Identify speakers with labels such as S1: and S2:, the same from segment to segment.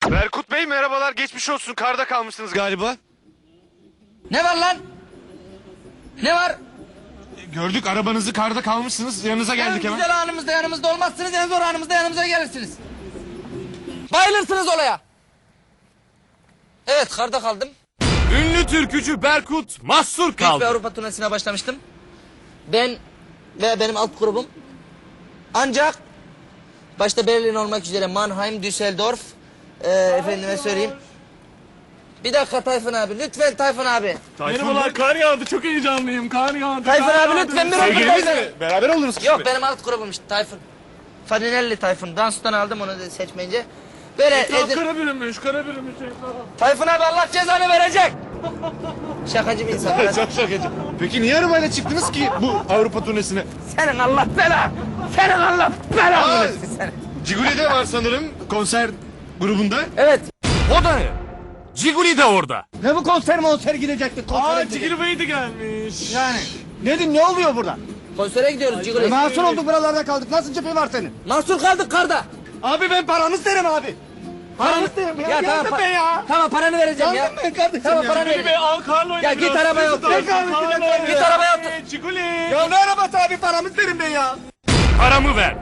S1: Berkut Bey merhabalar, geçmiş olsun. Karda kalmışsınız galiba.
S2: Ne var lan? Ne var?
S1: Gördük, arabanızı karda kalmışsınız. Yanınıza geldik
S2: En
S1: hemen.
S2: güzel anımızda yanımızda olmazsınız, en zor anımızda yanımıza gelirsiniz. Bayılırsınız olaya. Evet, karda kaldım.
S3: Ünlü türkücü Berkut mahsur
S2: Büyük bir
S3: kaldı.
S2: Avrupa turnesine başlamıştım. Ben ve benim alt grubum. Ancak başta Berlin olmak üzere Mannheim, Düsseldorf, efendime söyleyeyim. Bir dakika Tayfun abi, lütfen Tayfun abi.
S4: Merhabalar, kar yağdı. Çok heyecanlıyım. Kar yağdı.
S2: Tayfun
S4: kar
S2: abi
S4: yağdı.
S2: lütfen bir
S1: Sevgiliniz
S2: otur.
S1: mi? Beraber oldunuz ki.
S2: Yok, benim alt grubum işte Tayfun. Farinelli Tayfun. Dans'tan aldım onu da seçmeyince. Böyle
S4: Etraf kara bürünmüş, kara bürünmüş etraf.
S2: Tayfun abi Allah cezanı verecek. Şakacı bir insan.
S1: Çok şakacı. Peki niye arabayla çıktınız ki bu Avrupa turnesine?
S2: Senin Allah bela. Senin Allah bela.
S1: Aa,
S2: versin seni.
S1: Ciguli'de var sanırım konser grubunda.
S2: Evet.
S3: O da ne? Ciguli de orada.
S5: Ne bu konser gidecektik
S4: Aa, Cigri Bey de gelmiş.
S5: Yani. Nedim ne oluyor burada?
S2: Konsere gidiyoruz Ciguli.
S5: Mahsur olduk buralarda kaldık. Nasıl cephe var senin?
S2: Mahsur kaldık karda.
S5: Abi ben paramı isterim abi. Paramı isterim ya.
S2: Ya tamam,
S5: Yandım ben ya.
S2: tamam paranı vereceğim ya.
S5: Yandım ben kardeşim
S2: Tamam
S5: ya.
S2: paranı
S4: Cigri Bey
S2: vereceğim.
S4: al karla oyna
S2: Ya git
S4: biraz.
S2: arabaya
S4: Hızlı
S2: otur.
S4: olsun, karla oyna.
S2: Git arabaya otur.
S4: Ciguli.
S5: Ya ne arabası abi paramı isterim ben ya.
S3: Paramı ver.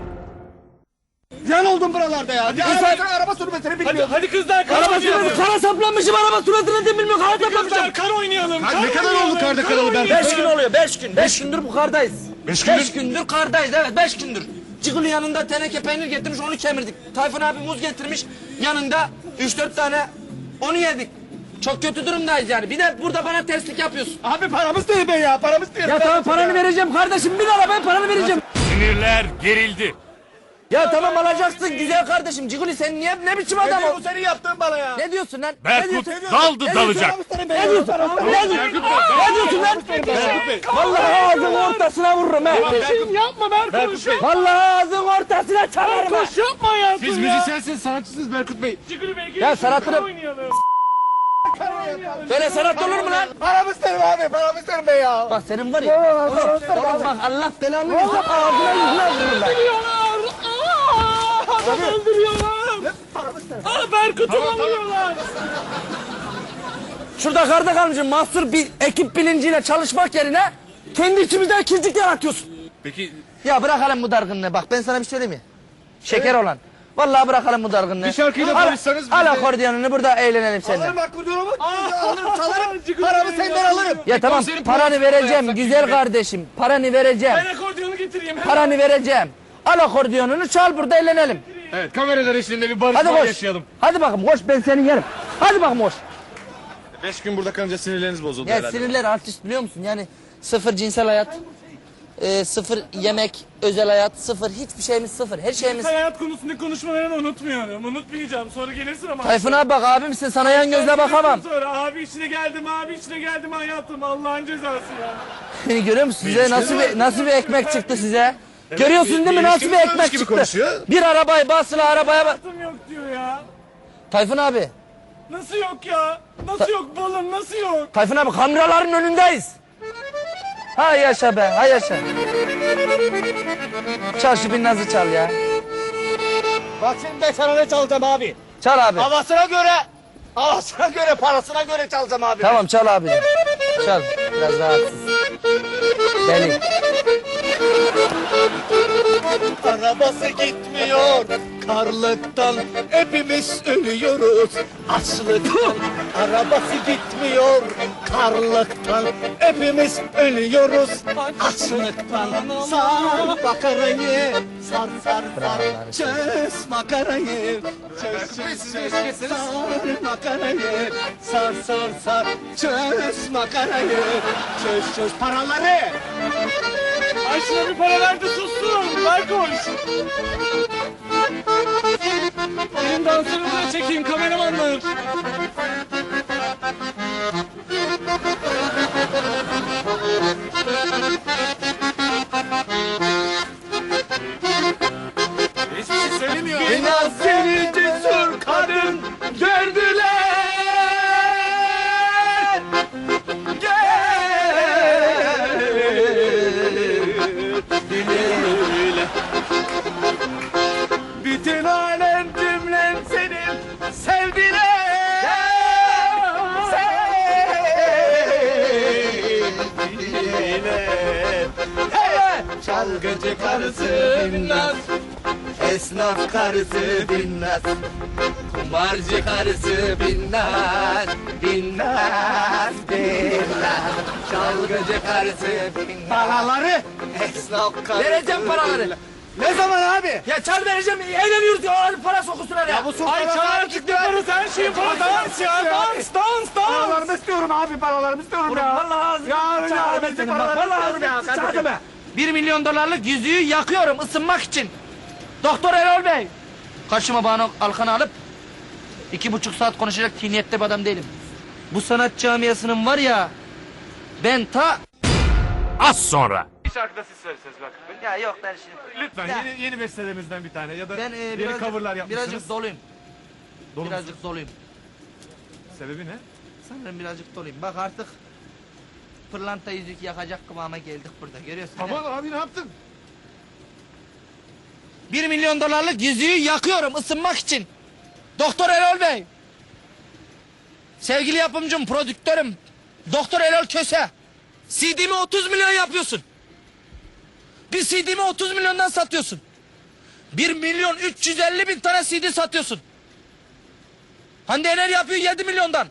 S5: Yan oldum buralarda ya. Ya
S2: Sen-
S5: sen araba sürmesini
S4: Hadi,
S5: bilmiyorsun.
S4: hadi kızlar, kar
S2: Araba
S4: oynayalım.
S2: suratı kara saplanmışım, araba suratını da bilmiyorum, kara
S4: Kızlar,
S2: saplanmışım.
S4: kar oynayalım.
S1: Ne kadar oldu karda kalalı Berkut?
S2: 5 gün oluyor, 5 gün. 5 gündür bu kardayız.
S1: 5 gündür?
S2: 5 gündür kardayız, evet 5 gündür. Ciguli yanında teneke peynir getirmiş, onu kemirdik. Tayfun abi muz getirmiş, yanında 3-4 tane onu yedik. Çok kötü durumdayız yani. Bir de burada bana terslik yapıyorsun.
S5: Abi paramı isterim ben ya. Paramı isterim.
S2: Ya tamam paranı vereceğim kardeşim, bin arabaya paranı vereceğim.
S3: Sinirler gerildi.
S2: Ya tamam alacaksın güzel kardeşim. Ciguli sen niye ne biçim adam
S5: Ne
S2: ol?
S5: bu senin yaptığın bana ya.
S2: Ne diyorsun lan? Ne
S3: Berkut
S2: diyorsun?
S3: daldı
S2: Ne
S3: dalacak.
S5: Paramı isterim ben ya.
S2: Ne diyorsun? Ne diyorsun? Ne diyorsun lan? Vallahi ağzının ortasına vururum he.
S4: Yapma Berkut.
S2: Vallahi ağzının ortasına çalarım ha.
S4: Koş yapma ya.
S1: Siz müzisyensiniz, sanatçısınız Berkut Bey.
S4: Cigri Bey
S2: Ya
S4: gelin.
S2: sanatını-
S4: Kar oynayalım.
S2: Böyle sanat olur mu lan?
S5: Paramı isterim abi. Paramı isterim ben ya.
S2: Bak senin var ya. Oğlum bak Allah belanı versin. Ağzına yüzüne vururum ben.
S4: Öldürüyorlar. Adam öldürüyorlar. Berkut'u alıyorlar.
S2: Şurada karda kalmışım. Mahsur bir ekip bilinciyle çalışmak yerine kendi içimizde kircik yaratıyorsun.
S1: Peki
S2: Ya bırakalım bu dargınlığı. Bak ben sana bir söyleyeyim mi? Şeker olan. Vallahi bırakalım bu dargınlığı.
S1: Bir şarkıyla barışsanız biz
S2: Al
S1: de-
S2: akordiyonunu burada eğlenelim seninle.
S5: Alırım akordeonumu. Alırım
S4: Aa,
S5: çalarım.
S4: Cigri
S5: Paramı
S4: Bey
S5: senden
S4: ya.
S5: alırım.
S2: Ya tamam
S1: konserin
S2: paranı
S1: parasını
S2: vereceğim
S1: yapsak
S2: güzel
S1: gibi.
S2: kardeşim. Paranı vereceğim.
S4: Ben akordiyonu getireyim.
S2: Paranı vereceğim. Al akordiyonunu çal burada eğlenelim.
S1: evet, kameralar eşliğinde bir barışma
S2: Hadi koş.
S1: yaşayalım.
S2: Hadi bakalım koş ben seni yerim. Hadi bakalım koş.
S1: 5 gün burada kalınca sinirleriniz bozuldu
S2: Ya
S1: herhalde.
S2: sinirler artist biliyor musun? Yani sıfır cinsel hayat. Sıfır yemek, özel hayat, sıfır hiçbir şeyimiz sıfır. Her şeyimiz...
S4: Hayat konusunda konuşmalarını unutmuyorum. Unutmayacağım. Sonra gelirsin ama.
S2: Tayfun abi bak abimsin sana yan gözle bakamam.
S4: Sonra abi içine geldim hayatım. Allah'ın cezası ya.
S2: Beni görüyor musun? Size nasıl bir ekmek çıktı size? Görüyorsun değil mi? Nasıl bir
S1: ilişkimiz
S2: ekmek
S1: varmış gibi
S2: çıktı?
S1: konuşuyor.
S2: Bir arabayı basılı arabaya bak.
S4: Hayatım yok diyor ya.
S2: Tayfun abi.
S4: Nasıl yok ya? Nasıl yok balım? Nasıl yok?
S2: Tayfun abi kameraların önündeyiz. Hay yaşa be, hay yaşa. Çal şu binnazı çal ya.
S5: Bak şimdi ben sana ne çalacağım abi.
S2: Çal abi.
S5: Havasına göre, parasına göre çalacağım abi.
S2: Tamam çal abi. Çal. Biraz rahatsız. Deli.
S5: Arabası gitmiyor karlıktan, hepimiz ölüyoruz açlıktan. Arabası gitmiyor karlıktan, hepimiz ölüyoruz açlıktan. Sar makarayı, sar sar sar, çöz makarayı, çöz sar makarayı, sar sar sar, çöz makarayı, çöz paraları.
S4: Ay şuna bir para ver de sussun. Ver koş. Benim danslarımı da çekeyim kameramanlar.
S1: Hiçbir şey söylemiyor.
S5: Biraz seni cesur kadın gördüler. Bütün alem cümlen senin sevdiler. Çalgıcı karısı Binnaz, esnaf karısı Binnaz, kumarcı karısı Binnaz, Binnaz, Binnaz, çalgıcı karısı Binnaz. Paraları esnaf karısı.
S2: Vereceğim paraları.
S5: Ne zaman abi?
S2: Ya çal vereceğim. Eğleniyoruz ya. Para sokusunlar ya.
S5: Ay
S4: Çağır çıktı parası her şeyin parası. Dans ya dans.
S5: Paralarımı istiyorum abi, paralarımı istiyorum ya.
S2: Vallahi
S5: Ya
S2: çağır
S5: bizim
S2: bak.
S5: paralarımı
S2: Vallahi
S5: istiyorum ya.
S2: çağır be. 1 milyon dolarlık yüzüğü yakıyorum ısınmak için. Doktor Erol Bey. Karşıma Banu Alkan'ı alıp 2,5 saat konuşacak tiniyette bir adam değilim. Bu sanat camiasının var ya, ben ta...
S3: Az sonra.
S4: Bir şarkı da siz söyleseniz bak.
S2: Ya yok ben şimdi...
S4: Lütfen
S2: Ya.
S4: yeni bestelerimizden bir tane ya da
S2: Ben
S4: yeni
S2: birazcık,
S4: coverlar yapmışsınız.
S2: birazcık doluyum.
S4: Dolu musunuz?
S2: Birazcık doluyum.
S4: Sebebi ne?
S2: Sanırım birazcık doluyum. Bak artık pırlanta yüzük yakacak kıvama geldik burada. Görüyorsun değil mi?
S1: Aman abi ne yaptın?
S2: 1 milyon dolarlık yüzüğü yakıyorum ısınmak için. Doktor Erol Bey. Sevgili yapımcım, prodüktörüm. Doktor Erol Köse. CD'mi 30 milyon yapıyorsun. Bir CD'mi 30 milyondan satıyorsun. 1 milyon 350 bin tane CD satıyorsun. Hande Yener yapıyor 7 milyondan.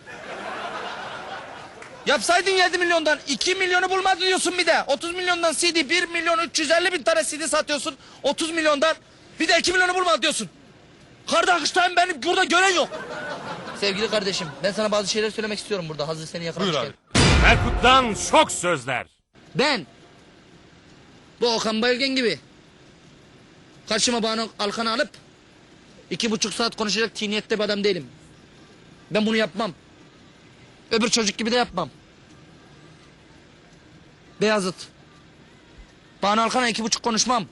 S2: Yapsaydın 7 milyondan 2 milyonu bulmadı diyorsun bir de. 30 milyondan CD 1 milyon 350 bin tane CD satıyorsun. 30 milyondan bir de 2 milyonu bulmadı diyorsun. Kardeşlerim benim burada gören yok. Sevgili kardeşim ben sana bazı şeyler söylemek istiyorum burada hazır seni
S3: Buyur
S2: yakalamışken.
S3: abi. Berkut'tan şok sözler.
S2: Ben bu Okan Bayülgen gibi karşıma Banu Alkan'ı alıp 2,5 saat konuşacak tiniyette bir adam değilim. Ben bunu yapmam. Öbür çocuk gibi de yapmam. Beyazıt. Banu Alkan'a 2,5 konuşmam.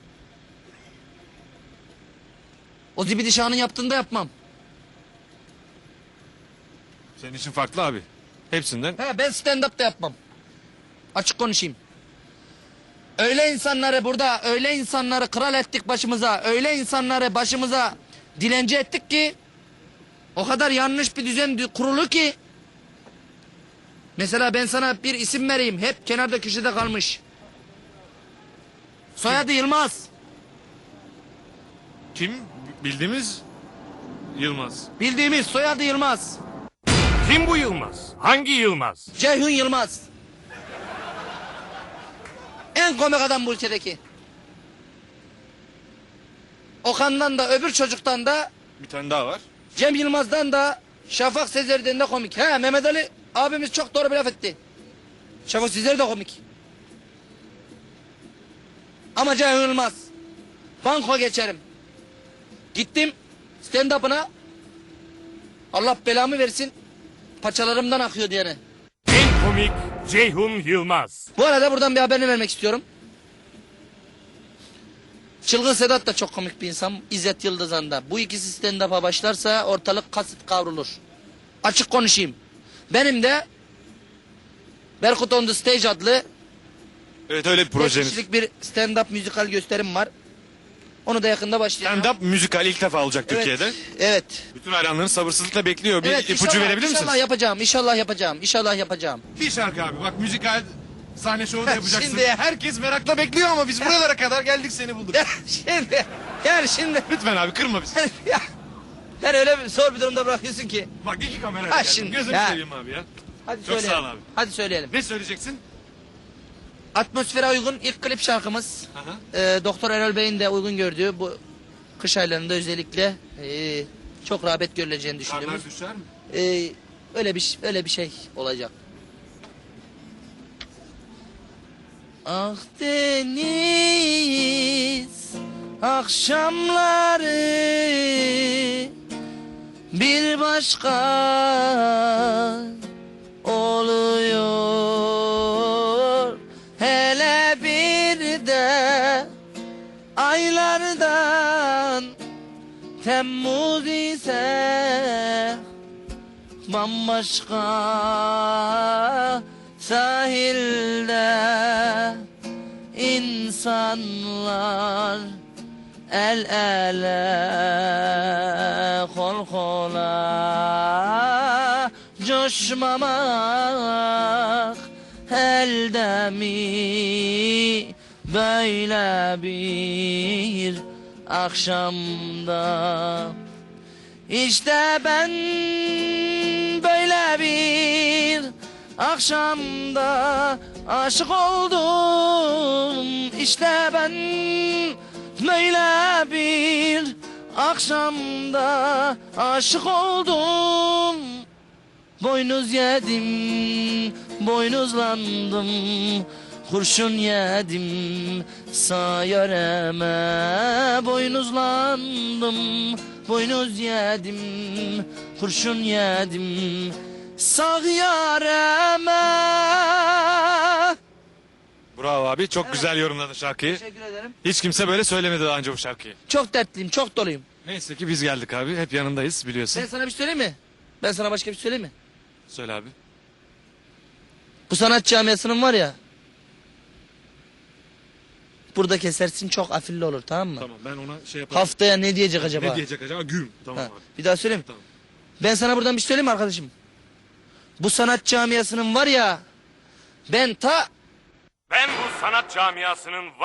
S2: O Zibidi Şah'ın yaptığında yapmam.
S1: Senin için farklı abi. Hepsinden.
S2: He, ben stand-up da yapmam. Açık konuşayım. Öyle insanları burada, öyle insanları kral ettik başımıza, öyle insanları başımıza dilenci ettik ki o kadar yanlış bir düzen kurulu ki mesela ben sana bir isim vereyim. Hep kenarda köşede kalmış. Soyadı Yılmaz.
S1: Kim? Bildiğimiz Yılmaz.
S2: Bildiğimiz soyadı Yılmaz.
S3: Kim bu Yılmaz? Hangi Yılmaz?
S2: Ceyhun Yılmaz. En komik adam bu ülkedeki. Okan'dan da öbür çocuktan da
S1: Bir tane daha var.
S2: Cem Yılmaz'dan da Şafak Sezer'den de komik. He, Mehmet Ali abimiz çok doğru bir laf etti. Şafak Sezer de komik. Ama Ceyhun Yılmaz. Banko geçerim. Gittim stand-up'ına. Allah belamı versin. Paçalarımdan akıyor diyene.
S3: En komik Ceyhun Yılmaz.
S2: Bu arada buradan bir haberini vermek istiyorum. Çılgın Sedat da çok komik bir insan. İzzet Yıldızhan da. Bu ikisi stand-up'a başlarsa ortalık kasıp kavrulur. Açık konuşayım. Benim de Berkut on the Stage adlı
S1: Evet öyle bir
S2: 5
S1: projeniz.
S2: kişilik bir stand-up müzikal gösterim var. Onu da yakında başlayacağım.
S1: Stand-up müzikal ilk defa olacak
S2: Evet,
S1: Türkiye'de.
S2: evet.
S1: Bütün hayranların sabırsızlıkla bekliyor. Bir
S2: Evet,
S1: ipucu
S2: inşallah,
S1: verebilir misiniz?
S2: İnşallah yapacağım, inşallah yapacağım, inşallah yapacağım.
S1: Bir şarkı abi. Bak müzikal sahne şovu da yapacaksın.
S2: Şimdi-
S1: Herkes merakla bekliyor ama biz buralara kadar geldik seni bulduk.
S2: Şimdi
S1: Lütfen abi kırma bizi.
S2: ya, ben öyle bir zor bir durumda bırakıyorsun ki.
S1: Bak iki kamera
S2: Ha,
S1: geldim.
S2: şimdi-
S1: Gözünü
S2: Ya.
S1: seveyim abi ya.
S2: Hadi
S1: Çok
S2: söyleyelim.
S1: sağ ol abi.
S2: Hadi söyleyelim.
S1: Ne söyleyeceksin?
S2: Atmosfere uygun ilk klip şarkımız.
S1: Aha.
S2: Doktor Erol Bey'in de uygun gördüğü bu kış aylarında özellikle çok rağbet görüleceğini düşündüğümüz.
S1: Karlar düşer mi?
S2: Öyle bir şey olacak. Ah deniz akşamları bir başka oluyor. Hele bir de aylardan Temmuz ise bambaşka sahilde insanlar El ele kol kola coşmamak elde mi böyle bir akşamda. İşte ben böyle bir akşamda aşık oldum. İşte ben böyle bir akşamda aşık oldum. Boynuz yedim, boynuzlandım, kurşun yedim, sağ yöreme. Boynuzlandım, boynuz yedim, kurşun yedim, sağ yöreme.
S6: Bravo abi. Çok güzel yorumladın şarkıyı.
S2: Teşekkür ederim.
S6: Hiç kimse böyle söylemedi daha önce bu şarkıyı.
S2: Çok dertliyim, çok doluyum.
S6: Neyse ki biz geldik abi. Hep yanındayız biliyorsun.
S2: Ben sana bir şey söyleyeyim mi? Ben sana başka bir şey söyleyeyim mi?
S6: Söyle abi.
S2: Bu sanat camiasının var ya, burada kesersin, çok afilli olur, tamam mı?
S6: Tamam ben ona şey yaparım.
S2: Haftaya ne diyecek acaba?
S6: Ne diyecek acaba? Güm. Tamam
S2: Ha,
S6: abi.
S2: bir daha söyleyeyim mi?
S6: Tamam.
S2: Ben sana buradan bir şey söyleyeyim mi arkadaşım? Bu sanat camiasının var ya, ben
S3: Ben bu sanat camiasının